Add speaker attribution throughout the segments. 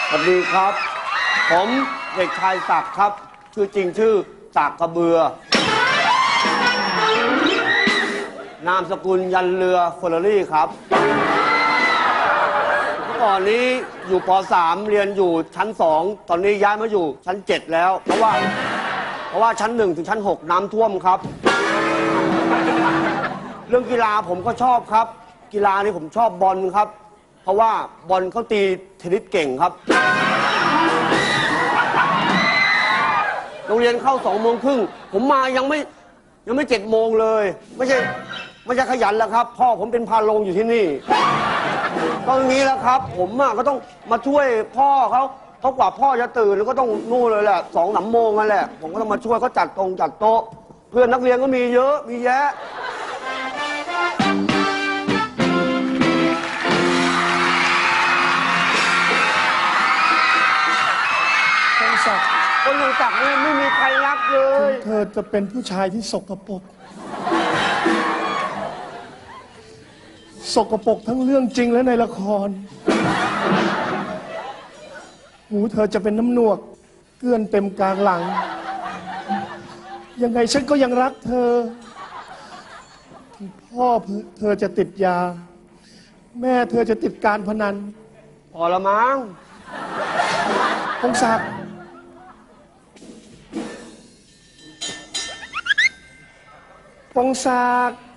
Speaker 1: สวัสดีครับผมเด็กชายศักดิ์ครับชื่อจริงชื่อศักดิ์กระเบือนามสกุลยันเรือเฟอร์รารี่ครับเมื่อก่อนนี้อยู่ป .3 เรียนอยู่ชั้น2ตอนนี้ย้ายมาอยู่ชั้น7แล้วเพราะว่าชั้น1ถึงชั้น6น้ำท่วมครับเรื่องกีฬาผมก็ชอบครับกีฬานี่ผมชอบบอลครับเพราะว่าบอลเขาตีเทนนิสเก่งครับโรงเรียนเข้า2:30ผมมายังไม่7 โมงเลยไม่ใช่ขยันแล้วครับพ่อผมเป็นพาโรงอยู่ที่นี่ตรงนี้แล้วครับผมก็ต้องมาช่วยพ่อเขากว่าพ่อจะตื่นแล้วก็ต้องนู่นเลยแหละ2-3 โมงนั่นแหละผมก็ต้องมาช่วยเขาจัดโต๊ะเพื่อนนักเรียนก็มีเยอะมีแยะคนอย่างศักดิ์นี่ไม่มีใครรักเลย
Speaker 2: เธอจะเป็นผู้ชายที่สกปรกทั้งเรื่องจริงและในละครหูเธอจะเป็นน้ำหนวกเกลื่อนเต็มกลางหลังยังไงฉันก็ยังรักเธอพ่อเธอจะติดยาแม่เธอจะติดการพนัน
Speaker 1: พอละมั้ง
Speaker 2: พงศักดิ์พงศักดิ์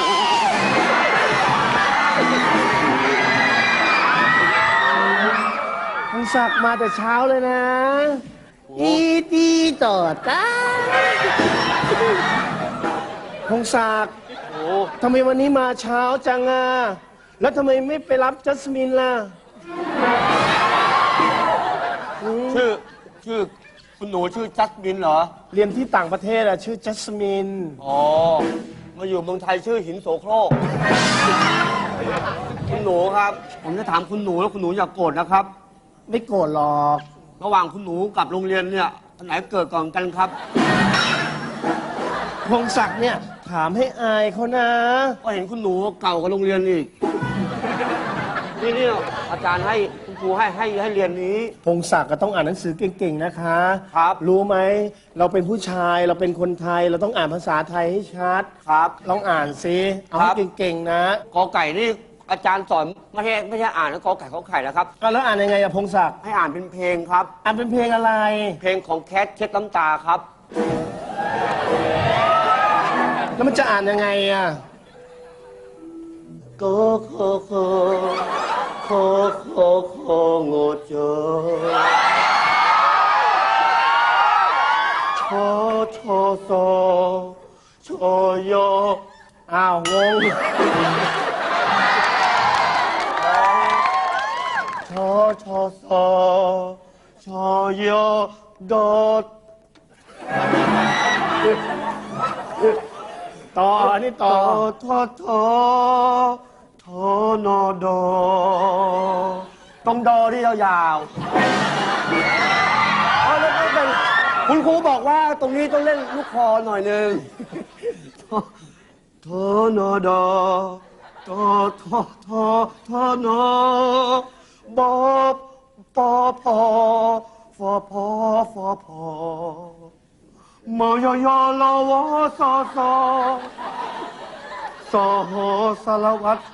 Speaker 2: พงศักดิ์มาแต่เช้าเลยนะ
Speaker 3: อีตีต่อตา
Speaker 2: พงศักดิ์ทำไมวันนี้มาเช้าจังอ่ะแล้วทำไมไม่ไปรับจัสมินล่ะ
Speaker 1: ชื่อคุณหนูชื่อจัสมินเหรอ
Speaker 2: เรียนที่ต่างประเทศชื่อจัสมิน
Speaker 1: อ๋อมาอยู่เมืองไทยชื่อหินโสโครกคุณหนูครับผมจะถามคุณหนูแล้วคุณหนูอย่าโกรธนะครับ
Speaker 2: ไม่โกรธหรอก
Speaker 1: ระหว่างคุณหนูกับโรงเรียนเนี่ยอันไหนเกิดก่อนกันครับ
Speaker 2: พงศักดิ์เนี่ยถามให้อายเขานะ
Speaker 1: ก็เห็นคุณหนูเก่ากับโรงเรียนอีกนี่อาจารย์ให้คุณครูให้เรียนนี้
Speaker 2: พงศักดิ์ก็ต้องอ่านหนังสือเก่งๆนะคะ
Speaker 1: ครับ
Speaker 2: รู้ไหมเราเป็นผู้ชายเราเป็นคนไทยเราต้องอ่านภาษาไทยให้ชัด
Speaker 1: ครับ
Speaker 2: ลองอ่านซิเอาให้เก่งๆนะ
Speaker 1: กอไก่นี่อาจารย์สอนไม่ใช่อ่านแล้วกอไก่ขอไข่นะครับ
Speaker 2: แล้วอ่านยังไงอะพงศักดิ์
Speaker 1: ให้อ่านเป็นเพลงครับ
Speaker 2: อ่านเป็นเพลงอะไร
Speaker 1: เพลงของแคทเช็ดน้ำตาครับ
Speaker 2: แล้วมันจะอ่านยังไงอะ
Speaker 1: โกโคโคโคโคโคโงโจโชโชโซโชโย
Speaker 2: อ้าวงง
Speaker 1: โชโชโซโชโยโดด
Speaker 2: ต่อนี่ต่อ
Speaker 1: โทโนโดตรงดอที่ยาวๆแล้วก็เป็นคุณครูบอกว่าตรงนี้ต้องเล่นลูกคอหน่อยนึงโทโนโดโทโนบอบปอพอฟอพอฟอพอมอยลาวซอซอสอหอสารวัตร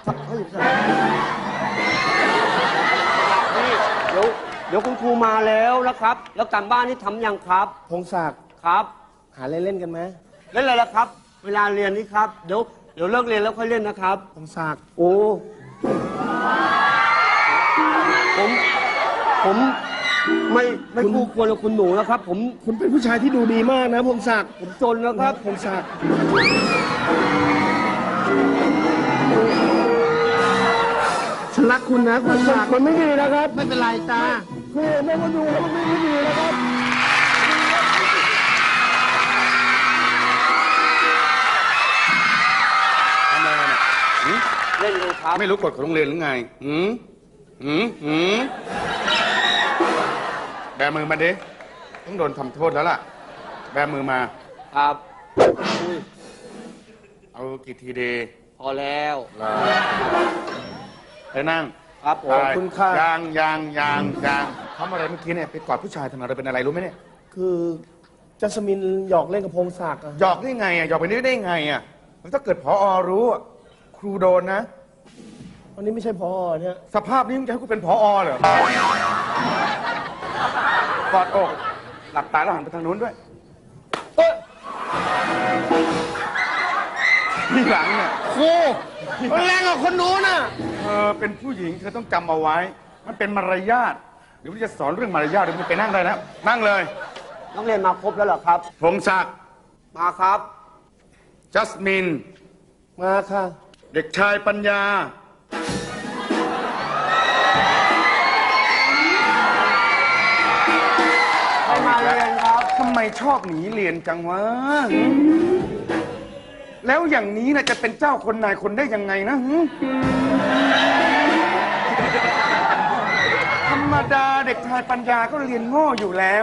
Speaker 1: เดี๋ยวคุณครูมาแล้วนะครับแล้วการบ้านนี่ทำยังครับ
Speaker 2: พงศักดิ์
Speaker 1: ครับ
Speaker 2: หาเล่นกันไหม
Speaker 1: เล่นอะไรล่ะครับเวลาเรียนนี่ครับเดี๋ยวเลิกเรียนแล้วค่อยเล่นนะครับ
Speaker 2: พงศักดิ์
Speaker 1: โอ้ผมไม่คู่ควรกับคุณหนูนะครับ
Speaker 2: คุณเป็นผู้ชายที่ดูดีมากนะพงศักดิ์
Speaker 1: ผมจนนะครับ
Speaker 2: พงศักดิ์ฉันรักคุณนะพงศักดิ์มันไม่ดีนะครับ
Speaker 3: ไม่เป็นไรจ้า
Speaker 2: คือแม่ก็ดูแล้วมันไม่ดีนะครับ
Speaker 4: ทำอะไรเนี่ย
Speaker 1: เล่นเลยครับ
Speaker 4: ไม่รู้กฎของโรงเรียนหรือไงแบมือมาดิต้องโดนทำโทษแล้วล่ะแบมือมา
Speaker 1: ครับ
Speaker 4: เอากี่ทีเดย์
Speaker 1: พอแล้ว
Speaker 4: ไปนั่ง
Speaker 1: ครับผม
Speaker 2: ขอบคุณค่ะ
Speaker 4: ยังทำอะไรเมื่อกี้เนี่ยไปกอดผู้ชายทำไมเราเป็นอะไรรู้ไหมเนี่ย
Speaker 2: คือจัสมินหยอกเล่นกับพงศักดิ์อะ
Speaker 4: หยอกได้ไงอ่ะหยอกไปนี้ได้ไงอ่ะแล้วถ้าเกิดผอรู้อะครูโดนนะ
Speaker 2: วันนี้ไม่ใช่พอเนี่ย
Speaker 4: สภาพนี้มึงจะให้กูเป็นผอเหรอกอดอกหลับตาแล้วหันไปทางนู้นด้วย
Speaker 2: เอ้ย
Speaker 4: ที่หลังเนี่ย
Speaker 2: ครูมันแรงกว่าคนนู้นน่ะ
Speaker 4: เธอเป็นผู้หญิงเธอต้องจำเอาไว้ มันเป็นมารยาทเดี๋ยวมันจะสอนเรื่องมารยาทเดี๋ยวมันไปนั่งได้แล้วนั่งเลย
Speaker 1: นักเรียนมาครบแล้วเหรอครับ
Speaker 4: พงศักดิ์
Speaker 1: มาครับ
Speaker 4: จัสมิน
Speaker 2: มาค่ะ
Speaker 4: เด็กชายปัญญา
Speaker 1: ให้มาเรียนครับ
Speaker 4: ทำไมชอบหนีเรียนจังวะ แล้วอย่างนี้นะจะเป็นเจ้าคนนายคนได้ยังไงนะหึธรรมดาเด็กชายปัญญาก็เรียนโง่อยู่แล้ว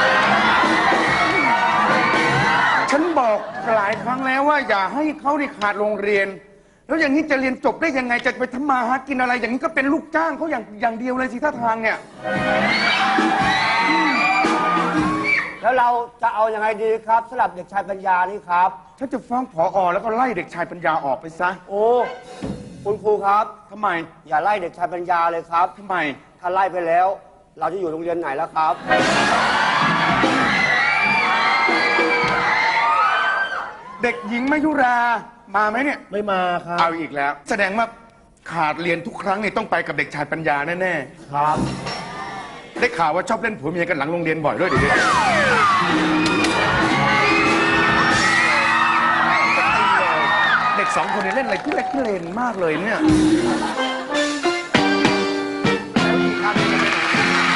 Speaker 4: ฉันบอกหลายครั้งแล้วว่าอย่าให้เขาได้ขาดโรงเรียน แล้วอย่างนี้จะเรียนจบได้ยังไงจะไปทำมาหากินอะไร อย่างนี้ก็เป็นลูกจ้างเขาอย่างเดียวเลยสิท่าทางเนี่ย
Speaker 1: แล้วเราจะเอาอยัางไงดีครับสำหรับเด็กชายปัญญานี่ครับ
Speaker 4: ฉันจะฟ้องผอแล้วก็ไล่เด็กชายปัญญาออกไปซะ
Speaker 1: โอ้คุณครูครับ
Speaker 4: ทำไม
Speaker 1: อย่าไล่เด็กชายปัญญาเลยครับ
Speaker 4: ทำไม
Speaker 1: ถ้าไล่ไปแล้ว เราจะอยู่โรงเรียนไหนแล้วครับ
Speaker 4: เด็กหญิงมยุรามาไหมเนี่ย
Speaker 2: ไม่มาครับ
Speaker 4: เอาอีกแล้ว แสดงว่าขาดเรียนทุกครั้งเนี่ยต้องไปกับเด็กชายปัญญาแน่ๆ
Speaker 1: ครับ
Speaker 4: ได้ข่าวว่าชอบเล่นผัวเมียกันหลังโรงเรียนบ่อยด้วยเดี๋ยวนี้เด็กสองคนเนี่ยเล่นอะไรที่เล็กที่เลนมากเลยเนี่ยแล้วอีกอันหนึ่งจะเป็นไหน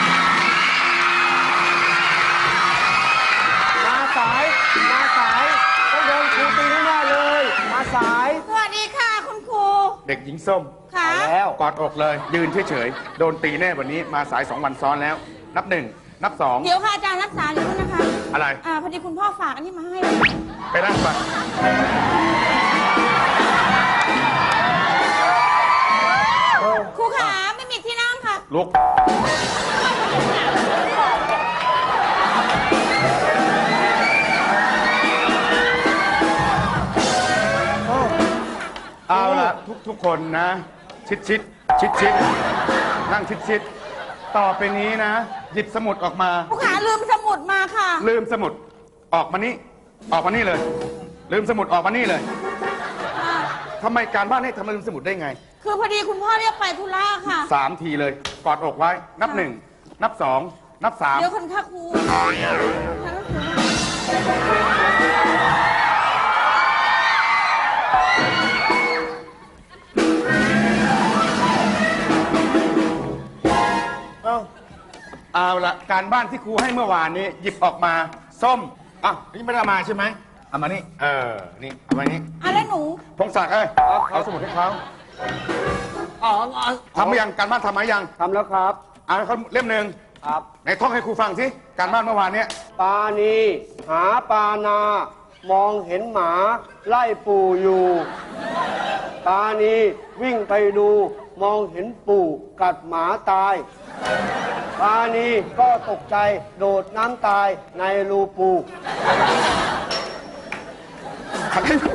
Speaker 1: มาสายต้องโดนครูตีแน่ๆเลย มาสาย
Speaker 5: สวัสดีค่ะคุณครู
Speaker 4: เด็กหญิงส้ม
Speaker 5: ค่ะ
Speaker 1: ไปแล้ว
Speaker 4: กอดอกเลย ยืนเฉยๆโดนตีแน่วันนี้มาสาย2 วันซ้อนแล้ว นับ 1 นับ
Speaker 5: เดี๋ยวค่ะอาจารย์รักษาอยู่ด้วยนะคะ
Speaker 4: อะไร
Speaker 5: พอดีคุณพ่อฝากอันนี้มาให้
Speaker 4: ไปนั่งไป
Speaker 5: ครูขาไม่มีที่นั่งค่ะ
Speaker 4: ลุก เอาละทุกคนนะ ชิดนั่งชิดต่อไปนี้นะ หยิบสมุดออกมา
Speaker 5: ครูขาลืมสมุดมาค่ะ
Speaker 4: ลืมสมุดออกมานี่เลย ลืมสมุดออกมานี่เลยทำไมการบ้านให้ทำไมลืมสมุดได้ไง
Speaker 5: คือพอดีคุณพ่อเรียกไปธุระค่ะ
Speaker 4: 3 ทีเลยกอดอกไว้ นับ 1 นับ 2 นับ 3
Speaker 5: เดี๋ยวคนค่ะครู
Speaker 2: เอ้า
Speaker 4: เอาละการบ้านที่ครูให้เมื่อวานนี้ หยิบออกมาส้มอ่ะนี่ไม่ได้เอามาใช่ไหมเอามานี่นี่เอามานี่
Speaker 5: แล้วหนู
Speaker 4: พงศักดิ์เอาสมุดให้เขา
Speaker 1: อ๋อ
Speaker 4: ทำหรือยังการบ้านทำไหมยัง
Speaker 1: ทำแล้วครับ
Speaker 4: เอาให้เขาเล่มหนึ่ง
Speaker 1: ครับ
Speaker 4: ไหนท่องให้ครูฟังสิการบ้านเมื่อวานเนี้ย
Speaker 1: ปานีหาปานา มองเห็นหมา ไล่ปู่อยู่ ปานีวิ่งไปดู มองเห็นปู่กัดหมาตาย ปานีก็ตกใจโดดน้ำตายในรูปู่
Speaker 4: ใครให้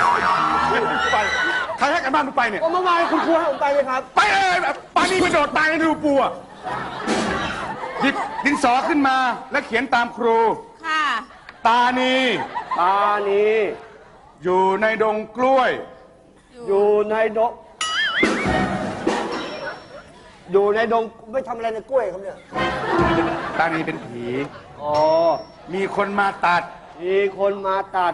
Speaker 4: ใครให้การบ้านมึงไปเนี่ย
Speaker 1: ก็เมื่อวานคุณครูให้ผมไปเลยครับ
Speaker 4: ไปเลยปานี่ไปโดดตายในรูปูอ่ะหยิบดินสอขึ้นมาแล้วเขียนตามครู
Speaker 5: ค่ะ
Speaker 4: ตานี
Speaker 1: ปานี
Speaker 4: อยู่ในดงกล้วย
Speaker 1: อยู่ในดงอยู่ในดงไม่ทำอะไรในกล้วยครับเนี่ย
Speaker 4: ตานีเป็นผี
Speaker 1: อ๋อ
Speaker 4: มีคนมาตัด
Speaker 1: มีคนมาตัด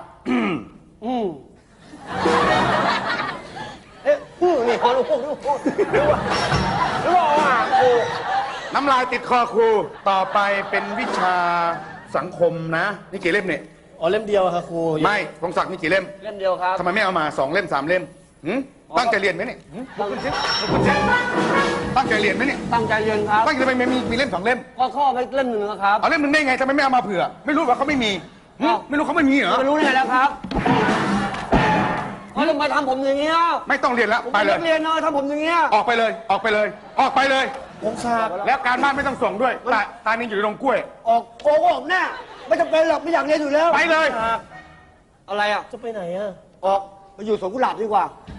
Speaker 1: เอ๊ะนี่ฮอลูกหรือว่าครู
Speaker 4: น้ำลายติดคอครู ต่อไปเป็นวิชาสังคมนะ นี่กี่เล่มเนี่ย
Speaker 2: อ๋อเล่มเดียวอะค่ะครู
Speaker 4: ไม่พงศักดิ์มีกี่เล่ม
Speaker 1: เล่มเดียวครับ
Speaker 4: ทำไมไม่เอามา2 เล่ม 3 เล่มหืมตั้งใจเรียนไหมเนี่ยหืมลุกขึ้นสิลุกขึ้นสิตั้งใจเรียนไหมเนี่ย
Speaker 1: ตั้งใจเรียนครับ
Speaker 4: ตั้งใจทำไมไม่มีเล่ม 2 เล่ม
Speaker 1: ก็ข้อไปเล่มหนึ่งนะครับ
Speaker 4: เอาเล่มหนึ่งได้ไงทำไมไม่เอามาเผื่อ ไม่รู้ว่าเขาไม่มีหืมไม่รู้เขาไม่มีเหรอ
Speaker 1: ไม่รู้ได้ไงแล้วครับเขาทำไมทำผมอย่างเงี้ย
Speaker 4: ไม่ต้องเรียนแล้ว
Speaker 1: ผม
Speaker 4: ไป
Speaker 1: เป็น
Speaker 4: เล
Speaker 1: นั
Speaker 4: ย
Speaker 1: กเรียนนะทำผมอย่างเงี้ย
Speaker 4: ออกไปเลยออกไปเลยออกไปเลย
Speaker 2: พงศักดิ์
Speaker 4: แล้วการบ้านไม่ต้องส่งด้วยตานี่อยู่ในโรงกล้วย
Speaker 1: ออกโกหกแน่ไม่จำเป็นหรอกไม่อยากเรียนอยู่แล้ว
Speaker 4: ไปเลย
Speaker 1: อะไรอ่ะ
Speaker 2: จะไปไหนอ่ะ
Speaker 1: ออกไปอยู่สวนกุหลาบดีกว่า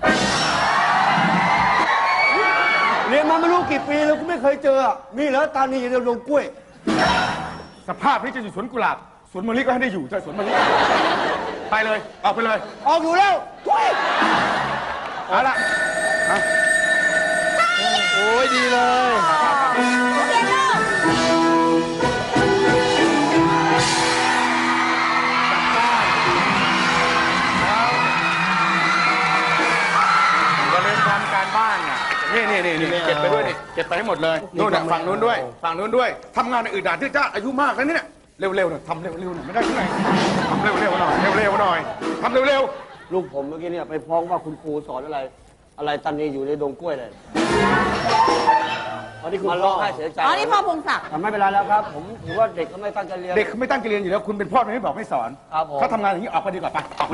Speaker 1: เรียนมาไม่รู้กี่ปีแล้วกูไม่เคยเจออะมีเหรอตานีอยู่ในโรงกล้วย
Speaker 4: สภาพที่จะอยู่สวนกุหลาบสวนมะลิก็ให้ได้อยู่ใช่สวนมะลิไปเลยออกไปเลย
Speaker 1: ออกอยู่แล้วทุย
Speaker 4: เอาละมา
Speaker 2: โอ้ยดีเลย
Speaker 4: อย่าลืมทำการบ้านน่ะนี่เก็บไปด้วยนี่เก็บไปให้หมดเลยนู่นน่ะฝั่งนู้นด้วยฝั่งนู้นด้วยทำงานในอื่นด่านที่จ้าอายุมากแล้วเนี่ยเร็วๆหน่อยทำเร็วๆหน่อยไม่ได้ที่ไหนทำเร็วๆหน่อยเร็วๆหน่อยทำเร็ว
Speaker 1: ลูกผมเมื่อกี้เนี่ยไปฟ้องว่าคุณครูสอนอะไร อะไรตานีอยู่ในดงกล้วยเลยตอนนี้คุณมาร้องไห้เสียใจ
Speaker 5: อ๋อ นี่พ่อพงศักดิ์
Speaker 1: แต่ไม่เป็นไรแล้วครับ ผมถือว่าเด็กเขาไม่ตั้งใจเรียน
Speaker 4: ๆเด็กเขาไม่ตั้งใจเรียนอยู่แล้วคุณเป็นพ่อไม่บอกไม่สอน
Speaker 1: ครับผม
Speaker 4: เขาทำงานอย่างนี้ออกไปดีกว่าไปออกไป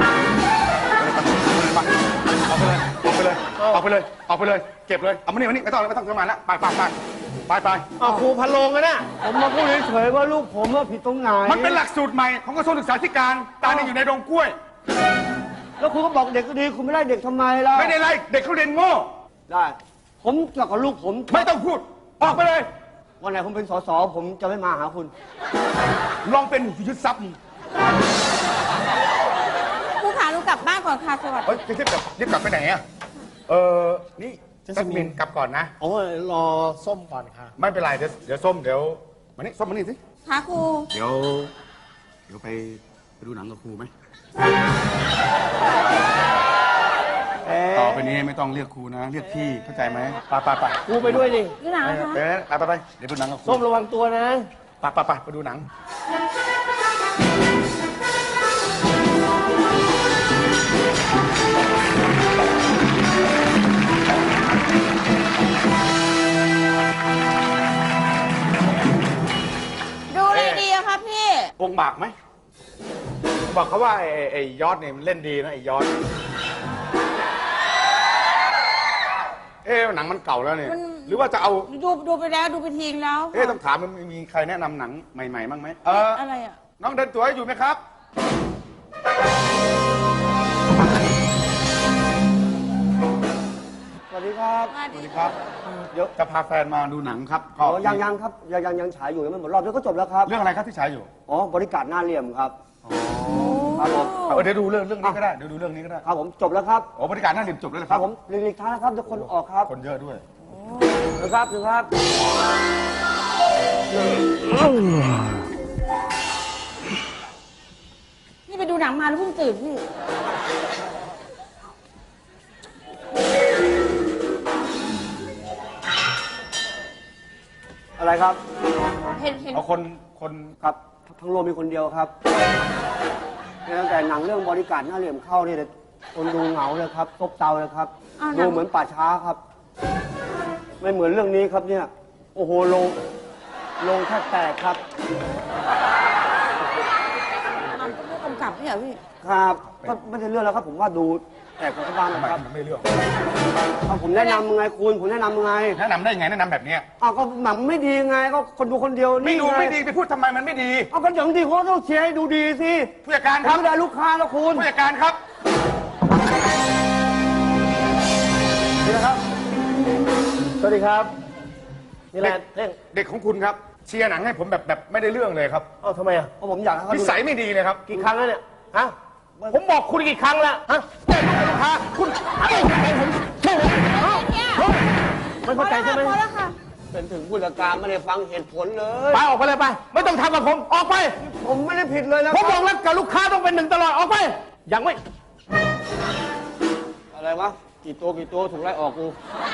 Speaker 4: เลยออกไปเลยออกไปเลยออกไปเลยเก็บเลยเอามานี่ไม่ต้องทำงานแล้วไป
Speaker 2: เอาครูพันโลงกันนะ
Speaker 1: ผมมาพูดเฉยๆว่าลูกผมว่าผิดตรงไหน
Speaker 4: มันเป็นหลักสูตรใหม่ของกระทรวงศึกษาธิการตานี่อยู่ในโรงกล้วย
Speaker 1: แล้วคุณก็บอกเด็กก็ดี คุณไม่ไล่เด็กทำไมล่ะ
Speaker 4: ไม่ได้ไล่เด็กเขาเรียนโง่
Speaker 1: ได้ ผมกับลูกผม
Speaker 4: ไม่ต้องพูดออกไปเลย
Speaker 1: วันไหนผมเป็นสสผมจะไม่มาหาคุณ
Speaker 4: ลองเป็นยึดทรัพย์
Speaker 5: ครูขาหนูกลับบ้านก่อนค่ะสวัสดี
Speaker 4: เฮ้ยจะรีบกลับไปไหนอ่ะนี่จัสมินกลับก่อนนะ
Speaker 2: โอ้ยรอส้มก่อนค่ะ
Speaker 4: ไม่เป็นไรเดี๋ยวส้มเดี๋ยวมานี่ส้มมานี่สิ
Speaker 5: ค่ะครู
Speaker 4: เดี๋ยวไปดูหนังกับครูไหมต่อไปนี้ไม่ต้องเรียกครูนะ เรียกพี่เข้าใจไหมไป
Speaker 2: ครูไปด้วยดิ
Speaker 5: ดูหนังนะคะ
Speaker 4: ไปเดี๋ยวดูหนังกับครู
Speaker 2: ส้มระวังตัวนะ
Speaker 4: ไปดูหนัง
Speaker 5: ดูอะไรดีอะครับพี่
Speaker 4: องค์บากไหมบอกเขาว่าไอ้ยอดเนี่ยมันเล่นดีนะไอ้ยอดหนังมันเก่าแล้วเนี่ย
Speaker 5: มัน
Speaker 4: หรือว่าจะเอา
Speaker 5: ดูไปแล้วดูไปทิ้งแล้ว
Speaker 4: ต้องถามมันมีใครแนะนำหนังใหม่ๆบ้างไหม
Speaker 5: อะไรอะ
Speaker 4: น้องเดินตัวอยู่ไหมครับ
Speaker 1: สวัสดีครับ
Speaker 5: สวัส
Speaker 4: สวัส
Speaker 5: ดี
Speaker 4: ดีครับเดี๋ยวจะพาแฟนมาดูหนังครับ
Speaker 1: อ๋อยังครับยังฉายอยู่ยังไม่หมดรอบแล้วก็จบแล้วครับ
Speaker 4: เรื่องอะไรครับที่ฉายอยู่
Speaker 1: อ๋อบริการหน้าเหลี่ยมครับครับผม
Speaker 4: เดี๋ยวดูเรื่องนี้ก็ได้เดี๋ยวดูเรื่องนี้ก็ได้
Speaker 1: ครับผมจบแล้วครับ
Speaker 4: บริการหน้าริมจบแล้วนะ
Speaker 1: ค
Speaker 4: ค
Speaker 1: รั
Speaker 4: รั
Speaker 1: บบ ผมหลีกทางนะครับทุกคนออกครับ
Speaker 4: คนเยอะด้วย
Speaker 1: นะครับ
Speaker 5: นี่ไปดูหนังมาแล้วเพิ่งตื่นพี่
Speaker 1: อะไรครับ
Speaker 5: เห็น
Speaker 4: เอาคน
Speaker 1: ครับทั้งโลกมีคนเดียวครับเนี่ยตั้งแต่หนังเรื่องบริการหน้าเหลี่ยมเข้าเนี่ยคนดูเหงาเลยครับซบเซาเลยครับดูเหมือนป่าช้าครับ ไม่เหมือนเรื่องนี้ครับเนี่ยโอ้โหลงแทบแตกครับ
Speaker 5: มันก็ผู้กำกับนี่เหรอพี่
Speaker 1: ครับก็ไม่ใช่เรื่องแล้วครับ ผมว่าดูแตกของชาวบ้าน
Speaker 4: ทำ
Speaker 1: นะ
Speaker 4: ไม
Speaker 1: ครับ
Speaker 4: มันไม่เลือก
Speaker 1: เอาผมแนะนำไงคุณผมแนะนำไง
Speaker 4: แนะนำได้ไงแนะนำแบบเนี้ย
Speaker 1: อ้าวก็หนังไม่ดีไงก็คนดูคนเดียว
Speaker 4: ไม่
Speaker 1: นี่
Speaker 4: ดู
Speaker 1: ไง
Speaker 4: ไม่ดีไปพูดทำไมมันไม่ดี
Speaker 1: เอาก็อย่างดีเขาต้องเชียร์ให้ดูดีสิ
Speaker 4: ผู้จัดการ
Speaker 1: ผ
Speaker 4: ครับ
Speaker 1: มไม่ได้ลูกค้าแล้วคุณ
Speaker 4: ผู้จัดการครับ
Speaker 1: นี่นะครับ
Speaker 2: สวัสดีครับ นี่แหละเท่ง
Speaker 4: เด็กของคุณครับเชียร์หนังให้ผมแบบไม่ได้เรื่องเลยครับ
Speaker 2: เอ้าทำไมอ่ะ
Speaker 1: เพราะผมอยากให้เขา
Speaker 4: นิ
Speaker 1: ดู
Speaker 4: สัยไม่ดีเลยครับ
Speaker 2: กี่ครั้งแล้วเนี่ย ฮะ ผมบอกคุณกี่ครั้งแล้ว ฮะลูกค้าคุณไม่เข้าใจใช่ไหม
Speaker 5: พอแล้วค่ะ
Speaker 1: เป็นถึงผู้จัดการไม่ได้ฟังเหตุผลเลย
Speaker 2: ไปออกไปเลยไป ไม่ต้องทำกับผม ออกไป
Speaker 1: ผมไม่ได้ผิดเลยนะ
Speaker 2: ผมบอกแล้วกับลูกค้าต้องเป็นหนึ่งตลอด ออกไป ยังไม่
Speaker 1: อะไรวะกี่ตัวถูกไล่ออกกู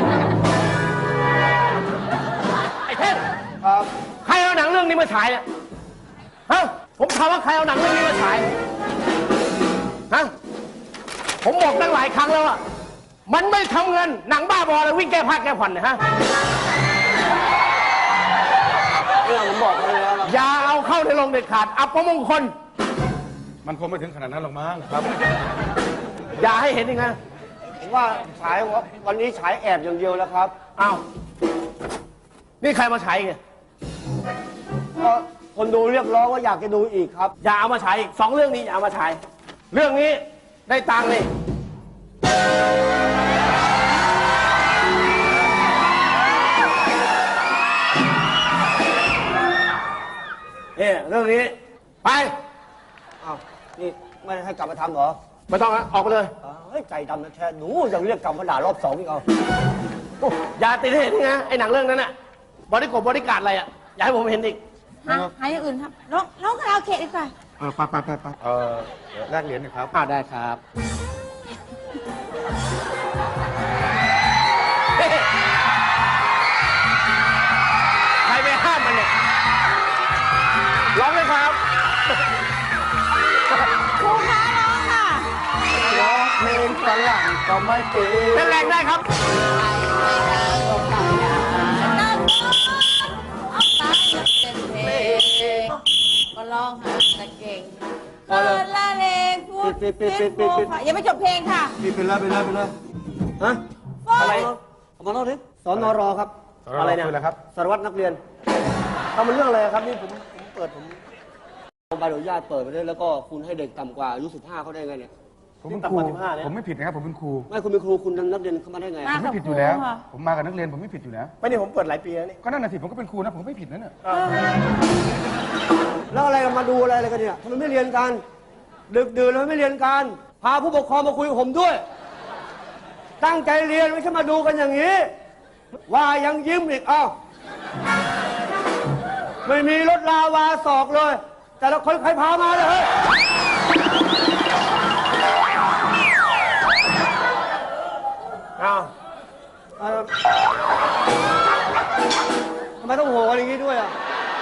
Speaker 2: ไอ้เท่ง
Speaker 1: ครับ
Speaker 2: ใครเอาหนังเรื่องนี้มาฉายเนี่ย ฮะ ผมถามว่าใครเอาหนังเรื่องนี้มาฉาย ฮะ ผมบอกตั้งหลายครั้งแล้วอะมันไม่ทำเงิน หนังบ้าบอเลยวิ่งแก้ผ้าแก้ผ่อนเนี่ยฮะ
Speaker 1: เรื่องผมบอกไปแล้วนะ
Speaker 2: อย่าเอาเข้าในโรงเด็ดขาด อับประมงคล
Speaker 4: มันคงไม่ถึงขนาดนั้นหรอกมั้งครับ
Speaker 2: อย่าให้เห็นอีกนะ
Speaker 1: ผมว่าฉายวันนี้ฉายแอบอย่างเดียวแล้วครับ
Speaker 2: อ้าวนี่ใครมาฉายอีกเนี่ย
Speaker 1: ก็คนดูเรียกร้องว่าอยากจะดูอีกครับ
Speaker 2: อย่าเอามาฉายอีก2เรื่องนี้อย่าเอามาฉายเรื่องนี้ได้ตังค์นี่เรื่องนี้ไป
Speaker 1: อ้าว นี่ไม่ให้กลับมาทำเหรอ
Speaker 2: ไม่ต้องนะออกไปเลย
Speaker 1: เฮ้ยใจดำนะแท้หนูยังเรียกกลับมาด่ารอบ2อีกเอา
Speaker 2: อย่าติดให้เห็นนี่นะไอ้หนังเรื่องนั้นน่ะบริการดอะไรอ่ะอย่าให้ผมเห็นอีก
Speaker 5: หาอย่างอื่นครับร้องคาราโอเกะดีกว่า
Speaker 4: ไปแลกเหรียญหน่อยครับ
Speaker 2: ได้ครับใครไปห้ามมันเนี่ยร้องเลยครับ
Speaker 5: ครูคะร้องค่ะ
Speaker 1: ร้องเพลงฝรั่งก็ไม่เป็น
Speaker 2: เล่นแรงได้ครับ
Speaker 5: นั่งเอาตาเป็นเพลงก็ร้องหาตะเก่งเปิดละเลงพูดโฟค่ะยังไม่จบเพลงค่ะ
Speaker 1: ไปเลยฮะ
Speaker 2: อะไร
Speaker 1: เอามาเล่าดิสอนรครับ
Speaker 2: อะไรเนี่ย
Speaker 4: คืออะไรครับ
Speaker 1: สารวัตรนักเรียนทำมันเรื่องอะไรครับนี่ผมเปิดใบอนุญาตเปิดไปด้วยแล้วก็คุณให้เด็กต่ำกว่าอายุ15เขาได้ไงเนี่ย
Speaker 4: ผมเป็นครูผมไม่ผิดนะครับผมเป็นครู
Speaker 1: ไม่คุณเป็นครูคุณนักเรียนเข้ามาได้ไง
Speaker 5: มา
Speaker 4: ผมไม่ผิดอยู่แล้ว ผมมากับนักเรียนผมไม่ผิดอยู่แล้ว
Speaker 2: ไม่นี่ผมเปิดหลายปีแล้วนี่
Speaker 4: ก็นั่นน่ะสิผมก็เป็นครูนะผมก็ไม่ผิดนั่นน่ะ
Speaker 1: แล้วอะไรมาดูอะไรกันเนี่ยทำไมไม่เรียนกัน ดึกดื่นแล้วไม่เรียนกันพาผู้ปกครองมาคุยกับผมด้วย ตั้งใจเรียนไม่ใช่มาดูกันอย่างนี้ ว่ายังยิ้มอีกเอ้าไม่มีรถลาวาศอกเลย แต่ละคนใครพามาเลยเฮ้ย
Speaker 2: อ้าว
Speaker 1: ทำไมต้องโหกันอย่างนี้ด้วยอ่ะ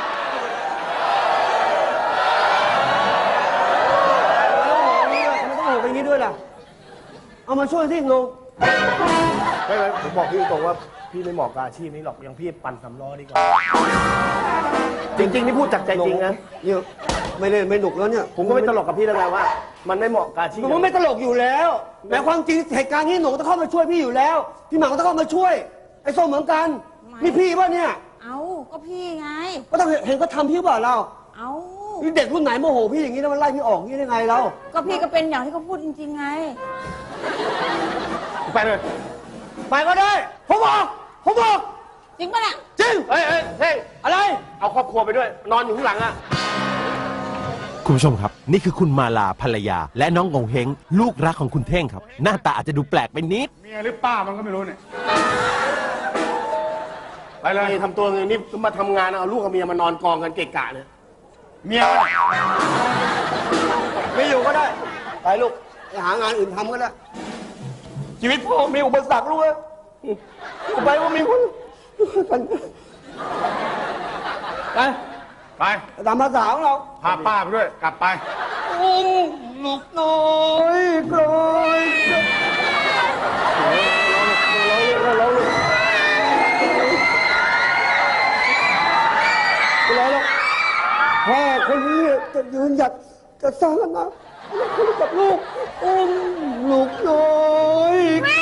Speaker 1: ทำไมต้องโหกันอย่างนี้ด้วยล่ะ เอามาช่วยที่งง
Speaker 2: ไม่ผมบอกพี่ตรงว่าพี่ไม่เหมาะกับอาชีพนี้หรอกอย่างพี่ปั่นสำล้อดีกว่าจริงๆนี่พูดจากใจจริงนะ
Speaker 1: เนี่ยไม่เล่นไม่หนุกแล้วเนี่ย
Speaker 2: ผมก็ไม่ตลกกับพี่แล้วไงว่า มันไม่เหมาะกับอาชีพ
Speaker 1: ผมไม่ตลกอยู่แล้ว แต่ความจริงเหตุการณ์นี้หนูต้องเข้ามาช่วยพี่อยู่แล้ว พี่หมังก็ต้องเข้ามาช่วย ไอ้ส้มเหมือนกัน นี่พี่ป่ะเนี่ย
Speaker 5: เอาก็พี่ไง
Speaker 1: ก็ต้องเห็นก็ทำพี่เปล่าเรา
Speaker 5: เอา
Speaker 1: นี่เด็กรุ่นไหนโมโหพี่อย่างนี้แล้วมันไล่พี่ออกอย่างนี้ได้ไงเรา
Speaker 5: ก็พี่ก็เป็นอย่างที่เขาพูดจริงๆไง
Speaker 2: ไปเลย
Speaker 1: ไปก็ได้ ผมบอก
Speaker 5: จริงปะเนี่ย
Speaker 1: จริง
Speaker 2: เฮ้ยเฮ้ย
Speaker 1: อะไร
Speaker 2: เอาครอบครัวไปด้วย นอนอยู่ข้างหลังอ่ะ
Speaker 6: คุณผู้ชมครับ นี่คือคุณมาลาภรรยา และน้องงงเฮงลูกรักของคุณเท่งครับ หน้าตาอาจจะดูแปลกไปนิด
Speaker 4: เมียหรือป้ามันก็ไม่รู้เนี่ย ไปเลย
Speaker 2: นี่ทำตัวอย่างนี้มาทำงานเอาลูกกับเมียมานอนกองกันเกะกะเนี่ย
Speaker 4: เมียมันน่ะ
Speaker 1: ไม่อยู่ก็ได้ ไปลูกไปหางานอื่นทำก็ได้ ชีวิตพ่อมีอุปสรรคลูกเอ้ยอยู่ไปว่ามีคน ไป
Speaker 4: ไป
Speaker 1: ตามภาษาของเรา
Speaker 4: พาป้าไปด้วย กลับไป
Speaker 1: อุ้มลูกน้อยกลอยพ่อคนนี้จะยืนหยัดจะสร้างกันนะคุยกับลูกอุ้มลูกน้อย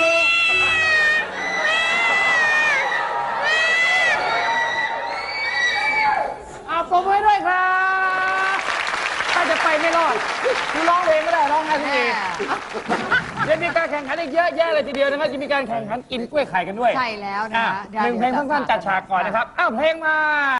Speaker 3: เอาปมไว้ด้วยครับถ้าจะไปไม่รอดคือร้องเพลงไม่ได้ร้องไห้ทุกทียังมีการแข่งขันอีกเยอะแยะเลยทีเดียวนะครับจะมีการแข่งขันกินกล้วยไข่กันด้วย
Speaker 7: ใช่แล้วนะคะ
Speaker 3: หนึ่งเพลงสั้นๆจัดฉากก่อนนะครับ อ้าวเพลงมา